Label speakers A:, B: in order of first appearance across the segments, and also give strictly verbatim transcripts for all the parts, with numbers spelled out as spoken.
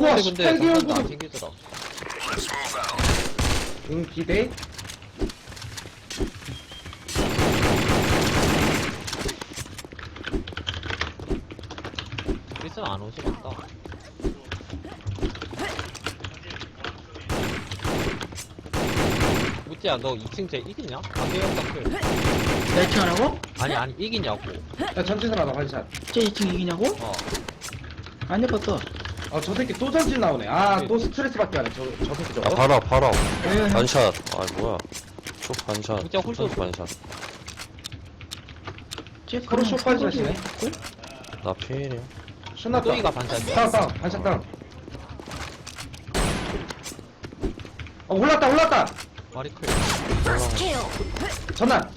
A: 우와,
B: 근데
A: 십팔 개월
B: 정상도 안
A: 구독.
B: 챙기더라.
A: 응, 기대.
B: 필승 안 오지 맞다. 무찌야 너 이 층 쟤 이기냐? 강대영 닥클.
C: 나 이 층 하라고?
B: 아니 아니 이기냐고.
A: 야, 전체선 하나, 반샷.
C: 쟤 이 층 이기냐고?
B: 어.
C: 안 해봤어.
A: 아, 저 새끼 또 전진 나오네. 아,
B: 네.
A: 또 스트레스 받게 하네. 저, 저 새끼
D: 야,
A: 저거.
D: 봐라, 봐라.
C: 에
D: 반샷. 아, 뭐야. 쪽 반샷.
B: 진짜 홀쏘.
D: 반샷.
C: 쟤
A: 서로 쇼파이즈 하시네.
D: 나 피해이야.
A: 신났다.
B: 또이가 반샷이야.
A: 다운, 다운. 반샷 다운. 어, 올랐다, 올랐다.
B: 마리 클.
A: 전난.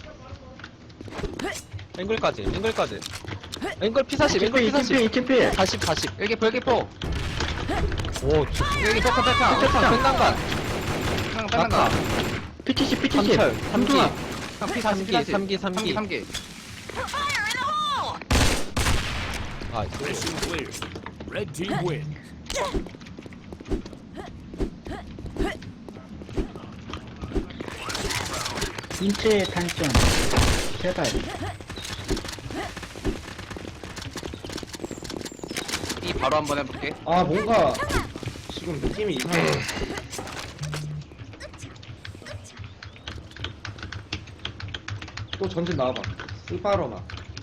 B: 앵글까지 앵글까지. 앵글 피 사십 앵글 피
C: 이 층
B: 사십.
C: 필, 이 층 필.
B: 사십 사십.
E: 일기 포 일기 포
B: 오
E: 일기 포카 백카
B: 백창 백난간.
E: 형 빼난가
C: 피치십, 피치십.
B: 삼철 삼기.
C: 삼두아.
E: 형피
B: 삼기,
E: 사십
B: 삼기, 삼기.
E: 삼기
B: 아
F: Mission clear. Red team win.
C: 인체의 단점. 제발.
E: 이 바로 한번 해볼게.
A: 아, 뭔가, 지금 느낌이 이상해. 또 전진 나와봐. 스파로나.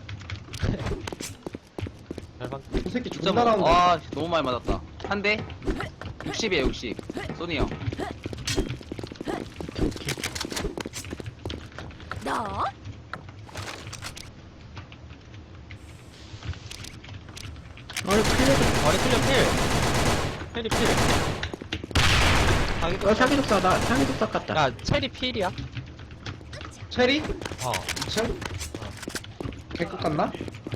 B: 잘방.
A: 저 새끼
E: 진짜
A: 존나
E: 뭐,
A: 나온다.
E: 아 너무 많이 맞았다. 한 대 육십이야 육십. 소니 형.
C: 오케이, 오케이.
G: 너?
C: 어이, 클리어.
B: 마리 클리어 필. 체리 필.
C: 어, 사기 독사다. 사기 독사 같다.
B: 야 체리 필이야.
A: 체리?
B: 어.
A: 이 층? 개끝 같나?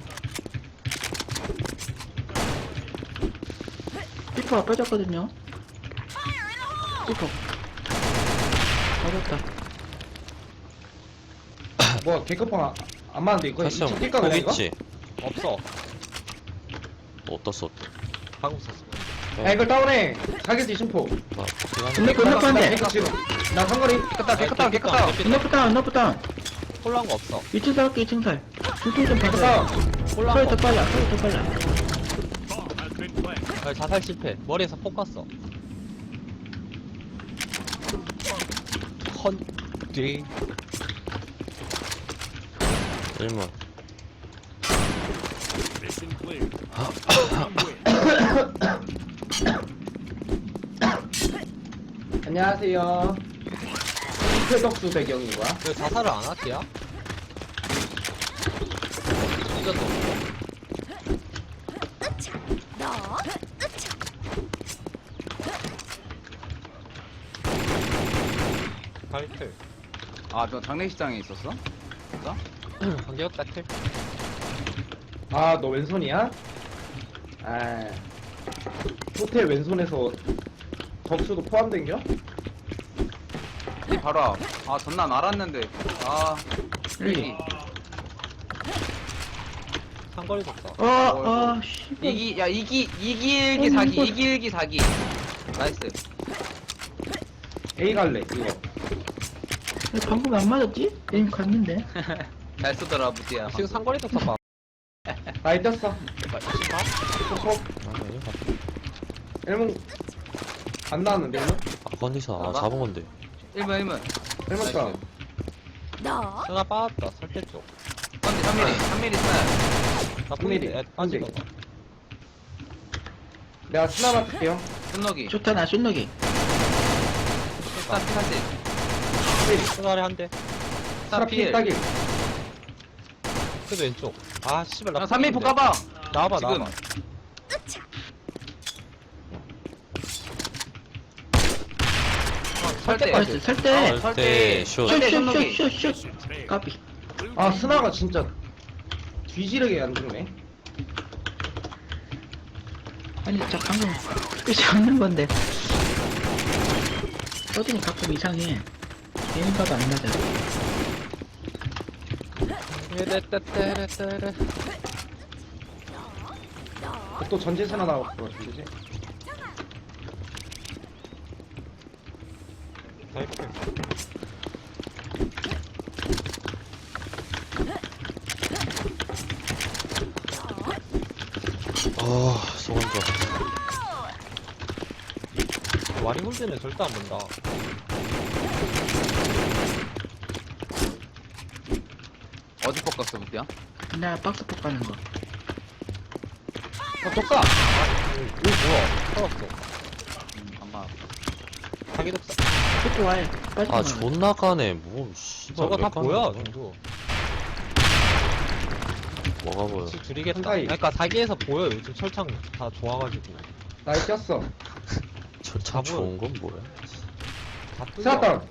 C: 피퍼가 빠졌거든요. 피퍼. 빠졌다.
A: 뭐야, 개끝방 안, 안 맞는데, 이거? 이
D: 사실
A: 층 뛸까, 그냥 이거?
D: 있지.
B: 없어.
D: 어디다 썼?
B: 방금 썼어.
A: 야, 이걸 다운해. 사기지 심포.
D: 나,
C: 근데 그 건너프 한 대.
A: 개끝 지금. 나 상거리.
E: 깨끗다 깨끗다 깨끗다.
C: 건너프 다운, 건너프 다운.
B: 홀란 거 없어.
C: 이 층 살게, 이 층 살. 두통 좀
A: 개끝
C: 받아.
A: 다운.
B: 홀란
C: 소리
B: 거
C: 더
B: 없어.
C: 빨라, 소리 더 빨라.
F: Bomb has been planted.
B: 아, 자살 실패. 머리에서 폭 갔어. 헌, 뒤.
D: 일문.
F: Mission clear. Red team win.
A: 안녕하세요. 최덕수 배경인 거야?
B: 왜 자살을 안 할게야? 이것도
G: 너?
B: 발클.
E: 아너 장례식장에 있었어?
B: 관계없 다클.
A: 아, 너 왼손이야? 아, 호텔 왼손에서 덕수도 포함된겨?
E: 이 바로 앞. 아 전난 알았는데. 아
C: 일기.
B: 상거리 독사.
C: 어, 어, 씨.
E: 이기 야 이기 이기 일기
C: 어,
E: 사기
C: 이거-
E: 이기 일기 사기. 나이스.
A: A 갈래, 이거.
C: 왜 방금 안 맞았지? 게임 갔는데.
E: 잘 쓰더라 무지야.
B: 지금 상거리 독사 봐.
A: 나이 떴어. 콕콕.
D: 아, 아니야.
A: 일문 안 나왔는데, 일문?
D: 아, 컨디션. 아,
E: 봐봐.
D: 잡은 건데.
E: 일 번 일 번.
A: 일문 다운.
G: 너?
B: 하나 빠졌다. 설대 쪽.
E: 건디 삼 밀리 삼 밀리 스나.
B: 나
A: 삼 미리,
B: 뿌리네.
A: 삼
B: 빠진
A: 미리.
B: 거.
A: 내가 스나 맡을게요.
E: 순너기.
C: 좋다, 나 쏜너기.
E: 스타 피 사십.
B: 수나리 한 대.
E: 스타
A: 스나 피
E: 필.
A: 따기.
B: 그래도 왼쪽. 아, 씨발. 나
E: 야 삼 밀 포
B: 뿌리는데.
E: 까봐.
B: 나와봐,
E: 지금.
B: 나와봐.
E: 설대.
C: 나이스,
D: 아,
C: 설대.
D: 설대, 슛.
E: 설대,
C: 슛,
E: 손목이.
C: 슛, 슛, 슛, 슛.
F: Mission failed.
C: 까비.
F: Blue
A: 아,
F: team
A: 스나가 진짜 뒤지르게 안 죽네.
C: 아니, 저 방금 끝이 않는 건데. 서든이 가끔 이상해. 게임가가 안 맞아.
B: 떼떼떼떼떼.
A: 또 전진 스나 나왔고, 그지?
B: 다이클.
D: 아, 소원자.
B: 와리 홀드는 절대 안 본다.
E: 어디 포커스 부티야?
C: 나 박스 폭 가는 거.
A: 어, 독사!
B: 이거 뭐야? 살았어.
E: 음, 아마
B: 자기 독사.
C: 그쪽 와요. 빠지지
D: 아,
C: 마.
D: 존나 까네. 뭐, 씨발.
B: 저거
D: 왜
B: 다
D: 까는
B: 보여,
D: 거야?
B: 정도.
D: 뭐가 보여?
B: 혹시 줄이겠다.
A: 한가위.
B: 그러니까 사기에서 보여. 요즘 철창 다 좋아가지고.
A: 나이 꼈어.
D: 철창
B: 답은-
D: 좋은 건 뭐야?
B: 다 뚫려.
A: 스나다운!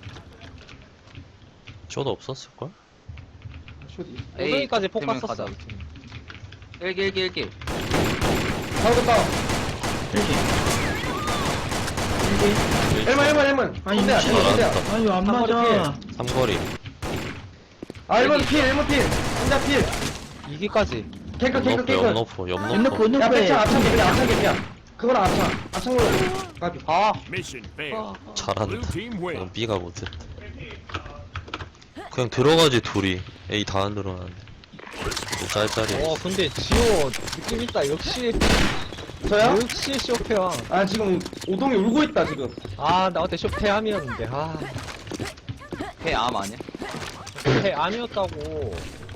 D: 쇼도 없었을걸?
A: 쇼디.
B: 오등이까지 폭
E: 되면
B: 갔었어.
E: 가자. 일기 일기 일기.
A: 사우드 다운!
C: 일기. 일기.
A: 일문, 일문, 일문!
C: 아니,
A: 혼대야,
C: 미친.
A: 혼대야.
D: 알았다.
C: 아유, 안
A: 삼거리
C: 맞아.
D: 삼거리.
A: 아, 일문 필, 일문 필! 혼자 필!
B: 이기까지.
A: 개크, 개크,
D: 옆너프,
A: 개크!
D: 옆너프,
C: 옆너프,
D: 옆너프.
C: 옆너프.
A: 야, 백창, 앞창 개피야, 앞창 개피야. 그거랑 앞창. 앞창으로 까비.
E: 아
F: Mission failed. Blue
D: 잘한다.
F: team win.
D: 난 B가 못했다. 그냥 들어가지, 둘이. A 다 안 들어가는데. 또 짤짤이.
B: 어, 근데 지호 느낌 있다. 역시,
A: 저요?
B: 역시 쇼페왕.
A: 아, 지금 오동이 울고 있다, 지금.
B: 아, 나 어때 쇼페암이었는데. 아,
E: 해암 아니야?
B: 쇼페암이었다고.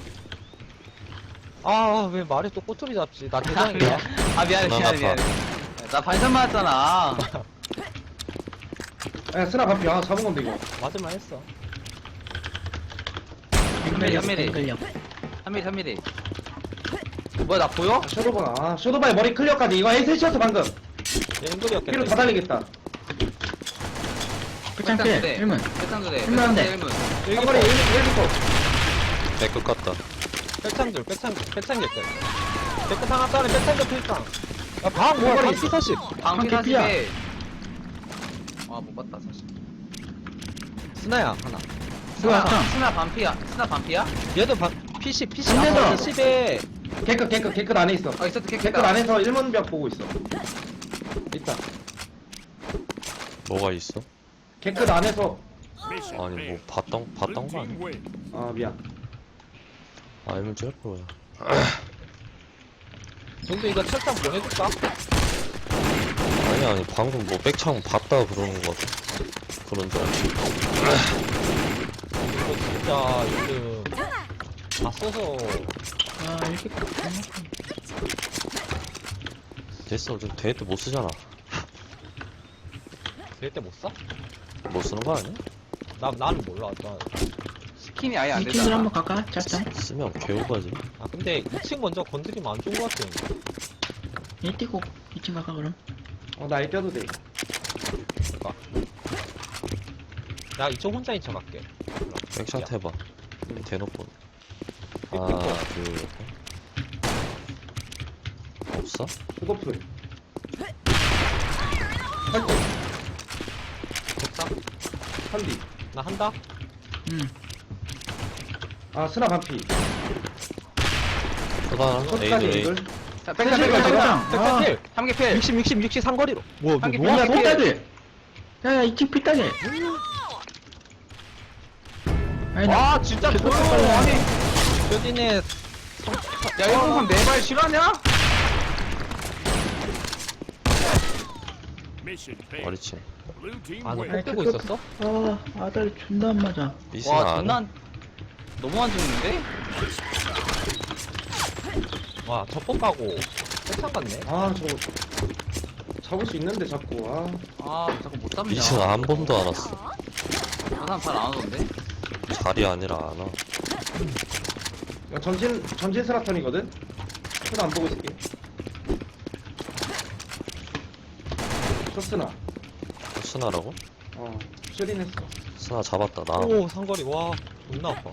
B: 아, 왜 말에 또 꼬투리 잡지? 나 대장이야.
E: 아 미안해
D: 난
E: 미안해
D: 아파.
E: 미안해. 나 반전 맞았잖아.
A: 야, 스나 반피. 아, 잡은 건데, 이거.
B: 맞을만 했어.
E: 삼미리 삼미리
C: 걸려.
E: 삼미리 삼미리. 뭐야 나 보여?
A: 아, 쇼도바. 아, 쇼도바의 머리 클리어까지. 이거 에이셋이었어, 방금.
B: 얘 앵글이었겠다.
A: 피로 다 달리겠다.
C: 백창
E: 백창
C: 필.
E: 두 대.
C: 일문.
E: 백창 두 대.
C: 일문 한 대.
E: 일문.
A: 한거리 일 번
D: 내 끝 같다.
B: 백창줄, 백창줄, 백창줄 때. 백창 하나 따는 백창줄 필당. 야, 방 뭐야?
A: 머리.
B: 방피 사십.
E: 방피
C: 방피 피야.
E: 사십에. 아못 봤다 사실.
B: 스나야, 하나.
C: 뭐야,
E: 스나
C: 형.
E: 스나 반피야. 스나 반피야?
B: 얘도 방, 피십, 피십.
C: 안 된다.
B: 아, 십에.
A: 개크, 개크, 개크 안에 있어.
E: 아 있었다
A: 개크 안에서 일문벽 보고 있어. 있다.
D: 뭐가 있어?
A: 개크 안에서.
F: Mission
D: 아니, 뭐,
F: failed.
D: 봤던,
F: Blue
D: 봤던 거
F: team
D: 아니야?
F: win.
A: 아, 미안.
D: 아, 이면 쩔 거야.
B: 정도 이거 철장 보내줄까?
D: 아니, 아니, 방금 뭐, 백창 봤다 그러는 거 같아. 그런 줄 알지.
B: 이거 진짜 요즘 다 써서
C: 아, 이렇게.
D: 됐어. 좀 대회 때 못 쓰잖아.
B: 될 때 못 써?
D: 못 쓰는 거 아니야?
B: 나, 나는 몰라. 나.
E: 스킨이 아예 안
C: 이 팀들
E: 되잖아.
C: 한번 갈까? 짭짤.
D: 쓰면 개우가지.
B: 아, 근데 이 층 먼저 건드리면 안 좋은 것 같아.
C: 얘 뛰고 이 팀 갈까, 그럼?
A: 어, 나이 떼도 돼.
B: 그러니까. 나 이쪽 혼자인 척 할게.
D: 백샷 해봐. 대놓고.
B: 삐삐
D: 하나, 둘, 셋. 없어?
A: 그거풀. 팔뚝.
B: 독사?
A: 한디.
B: 나 한다?
C: 응.
A: 아, 스나 반피.
D: 하나,
A: 끝까지
D: A들 A.
A: 이글.
E: 자 백창
A: 백창,
E: 백창
A: 백창.
E: 백창.
C: 백창. 아,
B: 백사필!
E: 삼기 필.
B: 육십, 육십, 육십 상거리로. 뭐,
E: 한 개
B: 뭐,
E: 필.
B: 뭐야?
C: 야, 삐딱이. 야, 야, 이 팀 삐딱이. 아니, 나.
E: 아 진짜
C: 계속
E: 더러워.
C: 헷갈려.
E: 아니
B: 쇼딘의
E: 야 일본군 내발 실화냐?
F: Mission failed.
D: 머리치.
F: Blue team
B: 아, 너
F: win.
B: 폭 뜨고 있었어?
C: 아, 아다리 존나 안 맞아.
D: 삐스나
E: 와
D: 안
E: 존나
D: 해?
E: 안- 너무 안 죽는데?
B: 와, 저폭 가고. 백창 갔네?
A: 아, 저거. 잡을 수 있는데, 자꾸. 아.
E: 아 자꾸 못 잡냐.
D: 삐스나 한 번도 안 왔어.
E: 저 사람 잘 안 오던데?
D: 자리 아니라 안 와.
A: 야, 전진, 전진 스나턴이거든? 스나 안 보고 있을게. 쇼스나.
D: 스나라고?
A: 어, 쇼린 했어.
D: 스나 잡았다. 나.
B: 오, 상거리. 와, 존나 아파.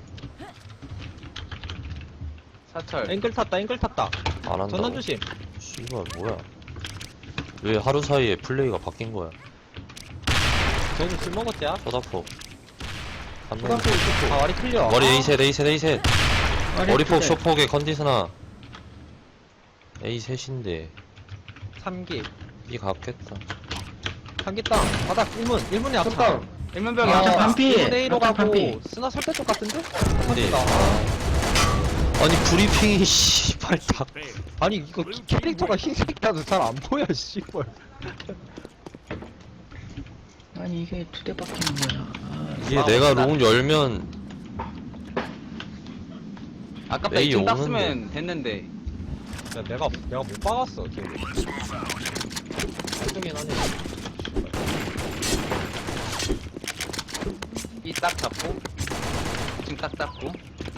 E: 사철.
B: 앵글 탔다, 앵글 탔다.
D: 안 한다.
B: 전난 조심.
D: 씨발 뭐야? 왜 하루 사이에 플레이가 바뀐 거야?
B: 저기 술 먹었지야?
D: 소다포. 한 명.
A: 초등학교 있었고.
B: 아, 와리 틀려.
D: 머리
B: 아,
D: A셋 A셋 A셋. 머리폭
C: 두 대.
D: 쇼폭에 컨디스나. A셋인데
B: 삼기.
D: B 갔겠다.
B: 삼기 땅. 바닥 일 문. 일 문에 앞차.
A: 쳤다운.
E: 일면병이
C: 아,
E: 앞창
C: 반피.
B: 일본 A로
C: 앞창
B: 가고
C: 반피.
B: 스나 설대 쪽 같은데?
D: 네.
B: 아,
D: 아니 브리핑이 씨발 다
F: Failed.
B: 아니 이거 캐릭터가 흰색이라도 잘 안 보여 씨발.
C: 아니 이게 두 대 박히는 거야. 아,
D: 이게
E: 아,
D: 내가
E: 나-
D: 롱 열면
E: 아깝다
D: 메이
E: 이 팀
D: 오는데.
E: 땄으면 됐는데
B: 야, 내가 내가 못 박았어 걔. 알등이 하네.
E: 이 딱 잡고 이 층 딱 잡고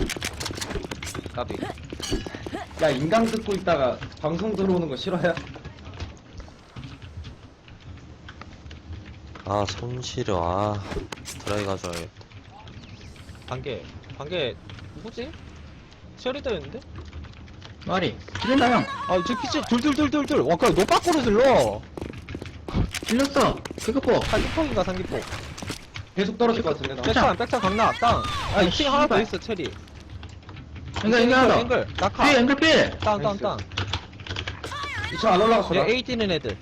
E: 까비
A: 야 인강 듣고 있다가 방송 들어오는 거 싫어요?
D: 아 손시려 아 드라이 가져야겠다.
B: 반개 반개 누구지? 쉐리더였는데?
C: 말이 들린다 형.
B: 아저 피치 둘둘둘둘둘 와 그냥 너 밖으로 질러.
C: 들렸어. 개그포.
B: 삼기폭인가 삼기폭.
A: 계속 떨어질 것 같은데 나.
B: 백창 백창 강나 땅. 아
C: 아이,
B: 이 층 하나 더
C: 씨발.
B: 있어 체리.
C: 앵글 앵글 하나 더.
B: 앵글 낙하.
C: 필 앵글 필.
B: 땅 땅 땅.
A: 이 층 안 올라갔어 나.
B: 얘 A 뛰는 애들.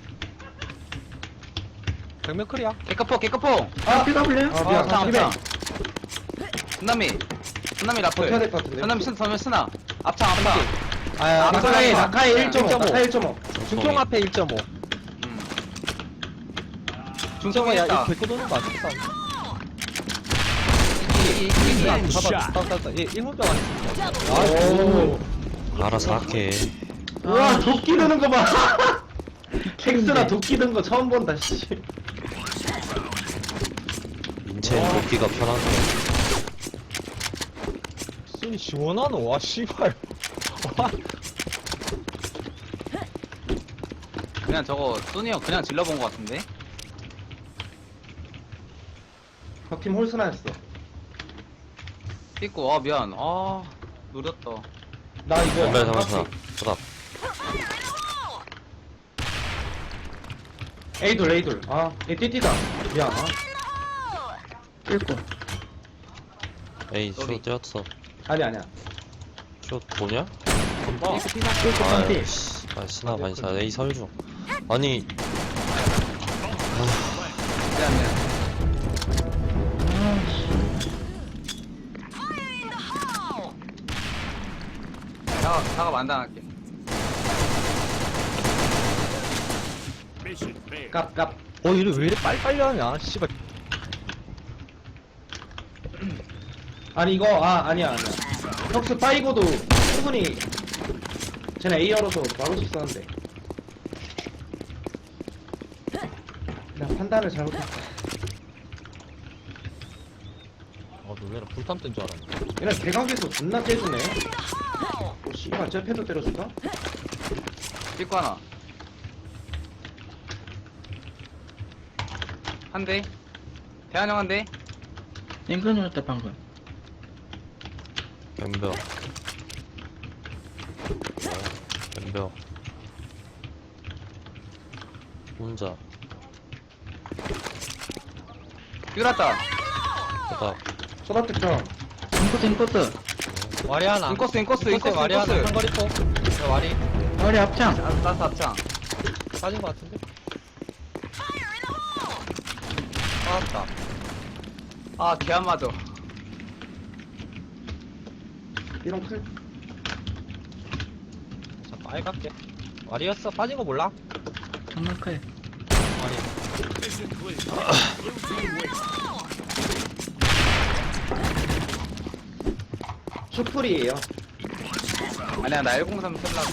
B: 백면 클이야.
E: 개커포 개커포
C: 아, 필 가볼래요?
A: 아 미안
E: 앞창
A: 삼십에
E: 앞창 순남이 순남이 라플
A: 버텨야 될 것 같은데.
E: 순남이 순 서면 스나 앞창 앞창
B: 아
E: 아,
A: 낙하에
E: 낙하.
A: 낙하에 일 점 오.
B: 일 점 오.
A: 낙하에 일 점 오.
B: 중통 앞에 일 점 오.
E: 음.
B: 중통아 야
E: 중통했다
B: 이거 데리고 도는 거 아니야?
F: Headshot.
B: 잡아 잡아 잡아. 얘 일문병 아니야?
A: 오.
D: 알아서 할게.
A: 우와 도끼 드는 거 봐. 텍스나
C: 미쳤는데.
A: 도끼 든 거 처음 본다 씨.
D: 인체인 돕기가 편한데.
B: 순이 시원하노 와 씨발. 와.
E: 그냥 저거 소니 형 그냥 질러본 것 같은데
A: 적팀 홀스나였어.
E: 삐고 아 미안 아 노렸다
A: 나 이거
D: 연발 상하나 보다.
A: 에이돌 에이돌. 아얘 띠띠다. 미안. 아.
C: 필고.
D: 에이
E: 쏘리.
D: 쇼 뛰었어.
A: 아니 아니야.
D: 쇼 보냐?
B: 건봐.
C: 필고 반피.
D: 아이씨 아 스나 반사 에이 설중. 아니
E: 미안 미안 사과 사과 만당할게
F: Mission failed.
A: 깝깝.
B: 어 이래 왜 이래 빨리빨리 하냐? 씨발.
A: 아니 이거 아 아니야 아니야. 혁스 파이고도 충분히 쟤네 A 열어서 막을 수 있었는데. 내가 판단을 잘못했어.
B: 아 놀래라 불탐 뜬 줄 알았네.
A: 얘네 대각에서 존나 째주네. 어 씨발 쟤패도 때려줄까?
E: 삐고 하나 한대 대한 형 한대
C: 앵글 눌렀다 방금.
D: 뱀벽. 뱀벽. 혼자
E: 삐갔다
D: 보다.
A: 소다 특정.
C: 인코스 인코스.
B: 와리 하나.
E: 인코스 인코스 인코스
B: 와리 하나.
E: 인코스
B: 한거리 포. 야, 와리
C: 머리 앞창.
E: 아, 나스 앞창
B: 빠진 거 같은데? 빠졌다.
E: 아 개 안 맞아
A: 이런 클.
B: 자 빨갛게. 와리였어. 빠진 거 몰라?
C: 장난칼.
B: 와리.
F: Mission clear. Blue team wins.
A: 슈플이에요.
E: 아니야 나 일공삼 쓸라고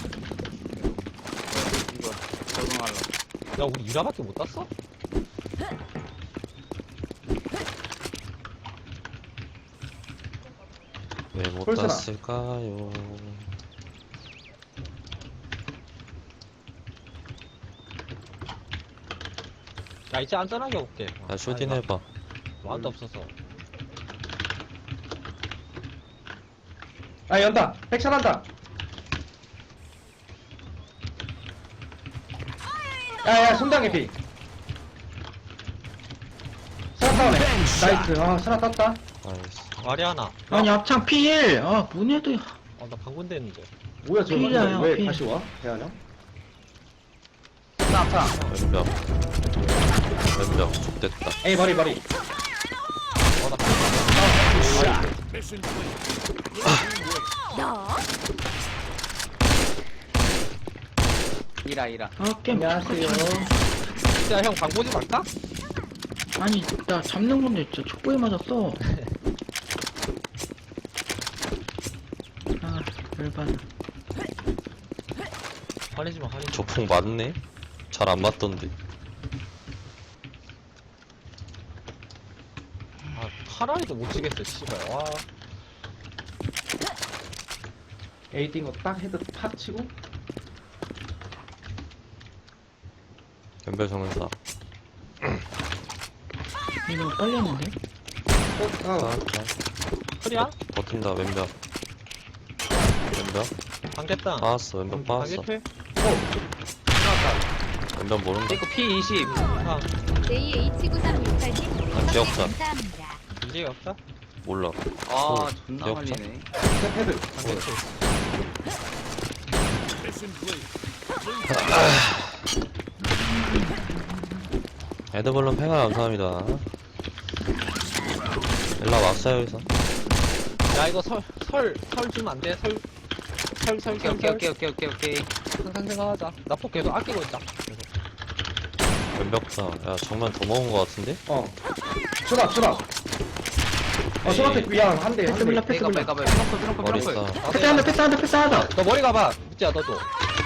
E: 이거 적응하려고
B: 야 우리 이라밖에 못 땄어?
D: 왜 못
A: 홀스나.
D: 땄을까요?
B: 야 이제 안전하게 올게.
D: 야 쇼딘 해봐.
B: 완도 없어서.
A: 아 연다. 백찬한다. 야야 손당의 피. 스나 다운해. 나이스. 아 스나 땄다.
D: 아이씨.
B: 와리 하나.
C: 아니 앞창 필. 아 뭐냐도.
B: 어나 방금 됐는데.
A: 뭐야 저
C: 피해요,
A: 왜
C: 피해.
A: 다시 와? 대한이 형?
E: 스나 앞창
D: 뱀벽. 뱀벽. 좋됐다.
A: 에이 머리 머리.
F: Mission clear. Blue team wins.
G: 너?
E: 이라 이라.
C: 아 게임
A: 안녕하세요.
B: 진짜 형 방보지 말까?
C: 아니 나 잡는 건데 진짜 촉구에 맞았어. 아 열받아.
B: 화내지 마, 화내지 마.
D: 저풍 맞네? 잘 안 맞던데.
B: 아, 하나에도 못 치겠어, 씨발. 와.
A: A 뛴 거 딱 헤드 팍 치고.
D: 연별 정은사.
C: 이거 너무 빨리 했는데?
A: 어, 어.
B: 소리야?
D: 버틴다, 왼벽. 왼벽?
B: 방됐다.
D: 빠았어, 왼벽 빠았어.
B: 방개필?
D: 왼벽 모른다.
E: 이거 피 이십.
B: 아,
G: 제이 에이치 구삼육팔 님
D: 아, 기억자.
G: 감사합니다.
B: 이제 없다?
D: 몰라.
E: 아
D: 어,
E: 존나
D: 기억자?
E: 걸리네.
A: 스텝 헤드.
B: 방개필.
F: Mission clear.
D: 에드블럼 팽아 감사합니다. 일라 왔어요, 여기서.
B: 야, 이거 설, 설, 설 주면 안 돼? 설, 설, 설,
E: 오케이
B: 설,
E: 오케이
B: 설.
E: 오케이 오케이 오케이 오케이.
B: 항상 생각하자. 나 폭 계속 아끼고 있다. 계속.
D: 왼벽사. 야, 정말 더 먹은 거 같은데?
A: 어. 수납, 수납. 어, 수납 미안. 한 대, 한
C: 패스
A: 대.
C: 몰라 패스
E: 백업
C: 몰라.
E: 백업 트럼프 트럼프
D: 머리
E: 트럼프.
D: 싸.
C: 패스 한다 패스 한다 패스 한다.
B: 너 머리 가봐. 묻지야, 너도.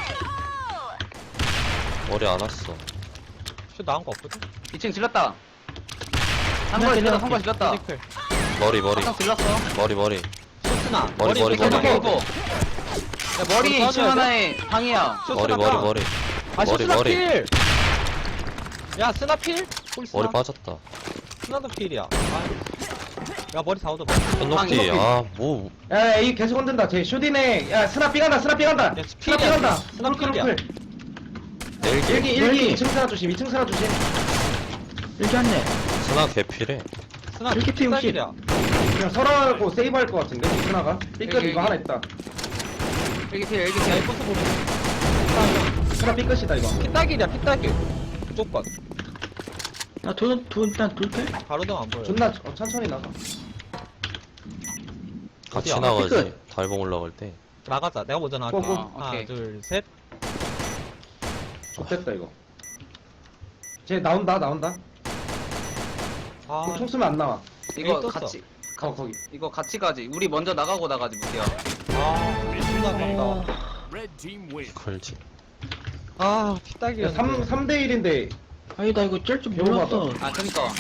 D: 머리 안 왔어.
B: 슛 나온 거 없거든?
E: 이 층 질렀다. 상거 질렀다 상거 질렀다.
B: 피지컬.
D: 머리, 머리.
E: 한상 질렀어.
D: 머리, 머리.
B: 슛스나.
D: 머리, 머리,
B: 슛스나
D: 머리.
B: 깨고.
E: 야 머리
B: 머리
E: 이 층
B: 써줘야
E: 하나에 방이야.
B: 슛스나
D: 머리, 머리,
B: 까.
D: 머리.
B: 아,
D: 머리,
B: 슛스나
D: 머리.
B: 필! 야, 스나 필? 볼 스나.
D: 머리 빠졌다.
B: 스나도 필이야. 아. 야, 머리 사오도 봐.
D: 현녹기.
A: 방금
D: 아, 뭐.
A: 야, A 계속 흔든다. 쟤 슈딘에. 야, 스납 삐간다, 스납 삐간다.
B: 야,
A: 스납
B: 필이야,
A: 삐간다.
B: 스납
A: 스납
B: 필이야.
A: 필.
D: 내일기.
A: 일기, 일기.
C: 일기.
A: 이 층 스나 조심, 이 층 스나 조심.
C: 일기 한대.
D: 스나 개필해.
B: 스나
C: 이렇게 피우시.
B: 필이야.
A: 그냥 설하고 세이브 할 것 같은데, 스나가. 삐끗
E: 여기,
A: 이거
E: 여기.
A: 하나 있다.
E: 일기 필 일기
B: 야, 이
E: 필.
B: 코스 보면.
A: 스나 삐끗이다, 이거.
B: 피딱이야, 피딱이. 무조건.
C: 나돈돈난 둘패?
B: 가로등 안 보여.
A: 존나 어, 천천히 나가.
D: 같이
B: 어디야?
D: 나가지.
A: 피크.
D: 달봉 올라갈 때.
B: 나가자. 내가 먼저 나갈게.
A: 고,
E: 고.
B: 하나,
E: 오케이.
B: 둘, 셋.
A: 좋됐다, 이거. 쟤 나온다, 나온다.
B: 아,
A: 그총 쓰면 안 나와.
E: 이거
B: 에이, 떴어.
E: 같이
A: 어, 거기.
E: 이거 같이 가지. 우리 먼저 나가고 나가지 무기야.
B: 아, 존나 아깝다.
F: Red team wins.
D: 걸지.
B: 아, 피딱이야.
A: 삼, 삼 대 일인데.
C: 아니 나 이거 짤 줄
A: 배워봐봐.
C: 몰랐어.
E: 아 그니까